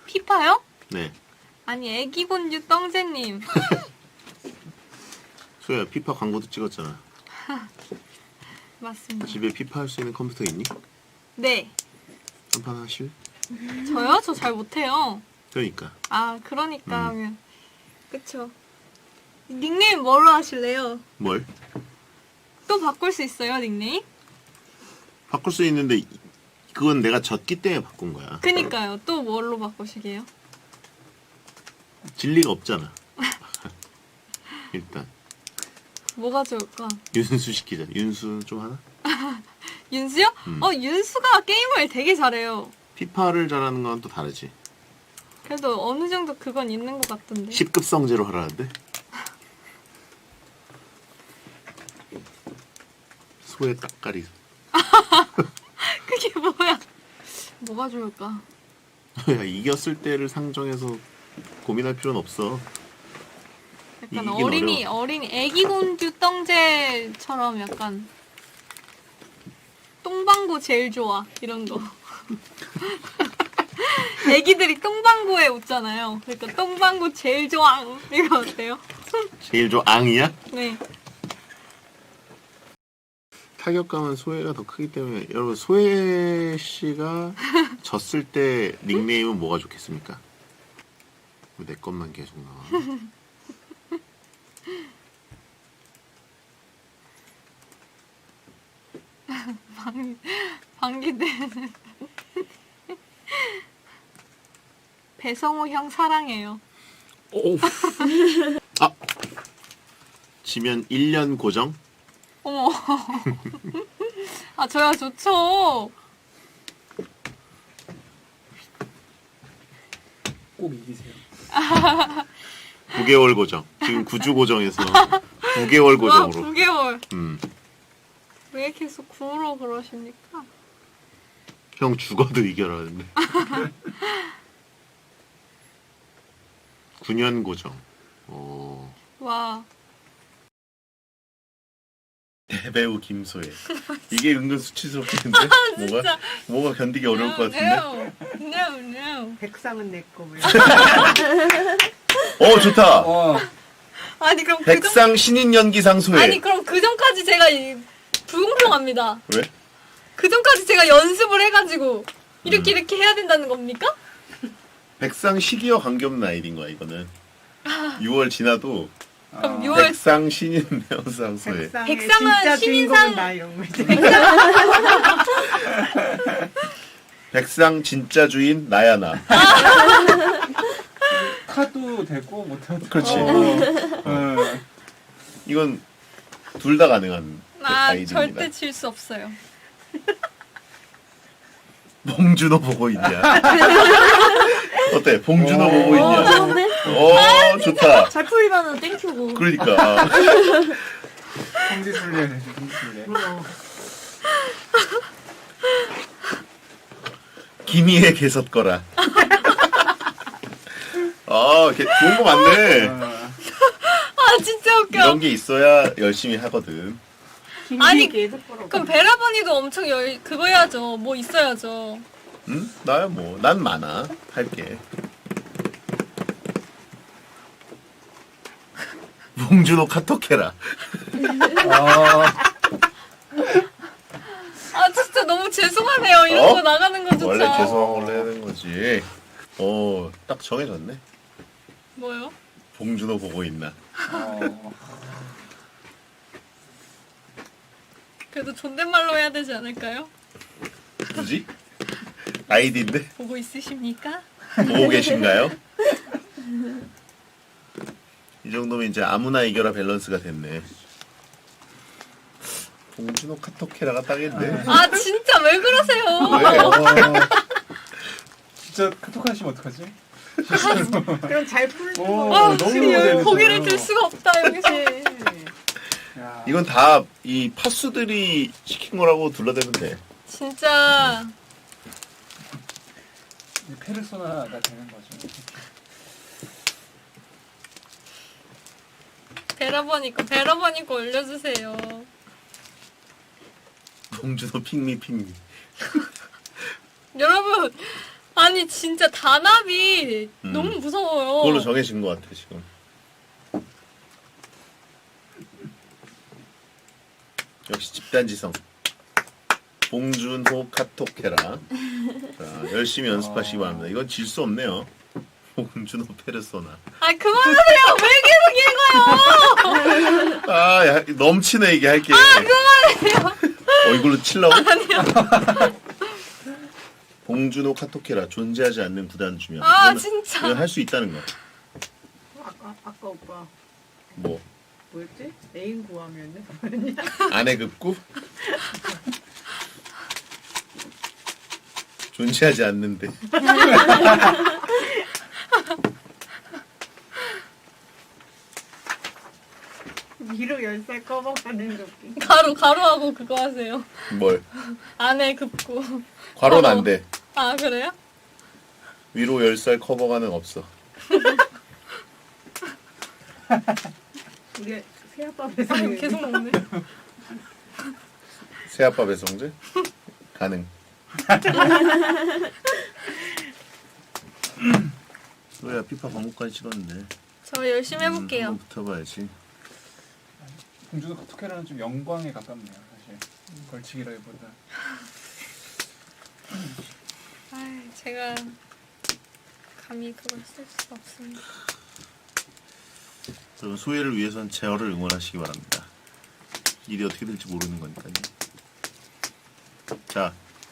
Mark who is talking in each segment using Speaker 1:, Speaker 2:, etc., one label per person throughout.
Speaker 1: 피파요?
Speaker 2: 네.
Speaker 1: 아니 애기곤주 떵새님.
Speaker 2: 소야 피파 광고도 찍었잖아.
Speaker 1: 맞습니다.
Speaker 2: 집에 피파 할 수 있는 컴퓨터 있니?
Speaker 1: 네.
Speaker 2: 한판 하실?
Speaker 1: 저요? 저 잘 못해요.
Speaker 2: 그러니까.
Speaker 1: 아 그러니까 하면 그쵸. 닉네임 뭐로 하실래요?
Speaker 2: 뭘?
Speaker 1: 또 바꿀 수 있어요 닉네임?
Speaker 2: 바꿀 수 있는데 그건 내가 졌기 때문에 바꾼 거야.
Speaker 1: 그니까요. 또 뭘로 바꾸시게요?
Speaker 2: 진리가 없잖아. 일단
Speaker 1: 뭐가 좋을까?
Speaker 2: 윤수 시키자. 윤수 좀 하나?
Speaker 1: 윤수요? 윤수가 게임을 되게 잘해요.
Speaker 2: 피파를 잘하는 건 또 다르지.
Speaker 1: 그래도 어느 정도 그건 있는 것 같던데.
Speaker 2: 10급 성제로 하라는데? 소의 따까리.
Speaker 1: 그게 뭐야? 뭐가 좋을까?
Speaker 2: 야, 이겼을 때를 상정해서 고민할 필요는 없어.
Speaker 1: 약간
Speaker 2: 이긴
Speaker 1: 어린이 애기공주 떵제처럼 약간 똥방구 제일 좋아 이런 거. 애기들이 똥방구에 웃잖아요. 그러니까 똥방구 제일 좋아 이거 어때요?
Speaker 2: 제일 앙이야?
Speaker 1: 네.
Speaker 2: 타격감은 소혜가 더 크기 때문에 여러분 소혜 씨가 졌을 때 닉네임은 뭐가 좋겠습니까? 왜 내 것만 계속 나와?
Speaker 1: 방귀대는 배성우 형 사랑해요.
Speaker 2: 오. 아 지면 1년 고정?
Speaker 1: 어머. 아 저야 좋죠.
Speaker 3: 꼭 이기세요.
Speaker 2: 9개월 고정. 지금 9주 고정에서 9개월
Speaker 1: 와
Speaker 2: 고정으로.
Speaker 1: 9개월. 왜 계속 9로 그러십니까?
Speaker 2: 형 죽어도 이겨라는데. 9년 고정. 오.
Speaker 1: 와.
Speaker 2: 대배우 김소혜. 이게 은근 수치스럽겠는데? 뭐가 견디기 어려울 것 같은데?
Speaker 1: No.
Speaker 4: 백상은 내 거.
Speaker 2: 좋다.
Speaker 1: 아니 그럼
Speaker 2: 백상 신인 연기상 소혜.
Speaker 1: 아니 그럼 그 전까지 제가 불공평합니다.
Speaker 2: 왜?
Speaker 1: 그 전까지 제가 연습을 해가지고 이렇게 해야 된다는 겁니까?
Speaker 2: 백상 시기와 관계없는 아이디인 거야 이거는. 6월 지나도
Speaker 1: 그럼 6월
Speaker 2: 백상 신인 연기상 소혜.
Speaker 1: 백상은
Speaker 4: 진짜
Speaker 1: 신인상-
Speaker 4: 주인공은 나 이런 거 있지.
Speaker 2: 백상 진짜 주인 나야 나.
Speaker 3: 타도 되고 못해도
Speaker 2: 그렇지.
Speaker 3: 되고.
Speaker 2: 이건 둘 다 가능한
Speaker 1: 아
Speaker 2: 아이디입니다.
Speaker 1: 절대 질 수 없어요.
Speaker 2: 봉준호 보고 있냐? 어때? 봉준호 보고
Speaker 3: 오,
Speaker 2: 있냐?
Speaker 5: 좋은데?
Speaker 2: 좋다.
Speaker 5: 잘 풀리면은 땡큐고.
Speaker 2: 그러니까.
Speaker 3: 성지순례 되지, 성지순례.
Speaker 2: 김희애 개섰거라. 좋은 거 많네.
Speaker 1: 아 진짜 웃겨.
Speaker 2: 이런 게 있어야 열심히 하거든.
Speaker 1: 아니,
Speaker 4: 계속 걸어.
Speaker 1: 그럼 베라버니도 엄청 그거 해야죠. 뭐 있어야죠.
Speaker 2: 응? 나야 뭐. 난 많아. 할게. 봉준호 카톡해라.
Speaker 1: 아 진짜 너무 죄송하네요. 이런 거 나가는 거조차.
Speaker 2: 원래 죄송한 걸로 해야 되는 거지. 딱 정해졌네.
Speaker 1: 뭐요?
Speaker 2: 봉준호 보고 있나.
Speaker 1: 그래도 존댓말로 해야 되지 않을까요?
Speaker 2: 굳이? 아이디인데?
Speaker 1: 보고 있으십니까?
Speaker 2: 보고 계신가요? 이 정도면 이제 아무나 이겨라 밸런스가 됐네. 봉준호 카톡해라가 딱인데.
Speaker 1: 아 진짜 왜 그러세요?
Speaker 2: 왜?
Speaker 3: 진짜 카톡 하시면 어떡하지?
Speaker 4: 그럼 잘 풀는
Speaker 3: 오,
Speaker 4: 거.
Speaker 1: 아
Speaker 3: 너무
Speaker 1: 지금
Speaker 3: 재밌어요.
Speaker 1: 고개를 들 수가 없다 여기서.
Speaker 3: 야.
Speaker 2: 이건 다 이 파수들이 시킨 거라고 둘러대면 돼.
Speaker 1: 진짜
Speaker 3: 페르소나가 되는 거죠.
Speaker 1: 베라버니 거 올려주세요.
Speaker 2: 봉준호 핑미.
Speaker 1: 여러분, 아 아니 진짜 단합이 너무 무서워요.
Speaker 2: 그걸로 정해진 것 같아 지금. 역시 집단지성. 봉준호 카톡해라. 자, 열심히 연습하시기 바랍니다. 이건 질 수 없네요. 봉준호 페르소나.
Speaker 1: 아 그만하세요. 왜 계속 읽어요?
Speaker 2: 아, 야, 넘치네 이게 할게.
Speaker 1: 그만해요.
Speaker 2: 이걸로 칠라고? 봉준호 카톡해라. 존재하지 않는 구단 주면.
Speaker 1: 아, 진짜.
Speaker 2: 할 수 있다는 거.
Speaker 4: 아까 오빠
Speaker 2: 뭐
Speaker 4: 뭐였지? 애인 구하면은 뭐였냐?
Speaker 2: 아내 급구? 존재하지 않는데.
Speaker 4: 위로 10살 커버가는 느낌.
Speaker 1: 가로하고 그거 하세요.
Speaker 2: 뭘?
Speaker 1: 안에 급고.
Speaker 2: 괄호는 안 돼.
Speaker 1: 아 그래요?
Speaker 2: 위로 10살 커버가는 없어.
Speaker 4: 우리 새아빠
Speaker 1: 아
Speaker 4: 배송이
Speaker 1: 계속 먹네.
Speaker 2: 새아빠 배송제? 가능. 소야 피파 과목까지 찍었는데.
Speaker 1: 저 열심히 해볼게요.
Speaker 2: 한번 붙어봐야지.
Speaker 3: 봉준호 카톡해라는 좀 영광에 가깝네요 사실. 벌칙이라기보다.
Speaker 1: 아 제가 감히 그걸 쓸 수가 없습니다.
Speaker 2: 여러분 소혜를 위해서는 제어를 응원하시기 바랍니다. 일이 어떻게 될지 모르는 거니까요. 자,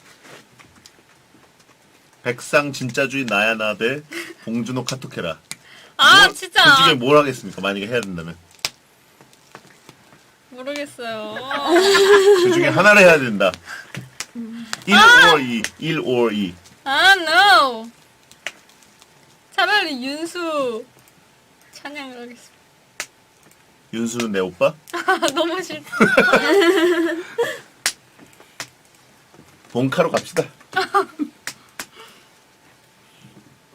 Speaker 2: 백상 진짜주의 나야 나 대 봉준호 카톡해라.
Speaker 1: 아
Speaker 2: 그
Speaker 1: 진짜
Speaker 2: 중에 뭘 하겠습니까? 만약에 해야 된다면
Speaker 1: 모르겠어요.
Speaker 2: 그 중에 하나를 해야 된다. 1 or 2, 1 or 2.
Speaker 1: 아 no. 차라리 윤수 찬양을 하겠습니다.
Speaker 2: 윤수는 내 오빠?
Speaker 1: 너무 싫다.
Speaker 2: 본카로 갑시다.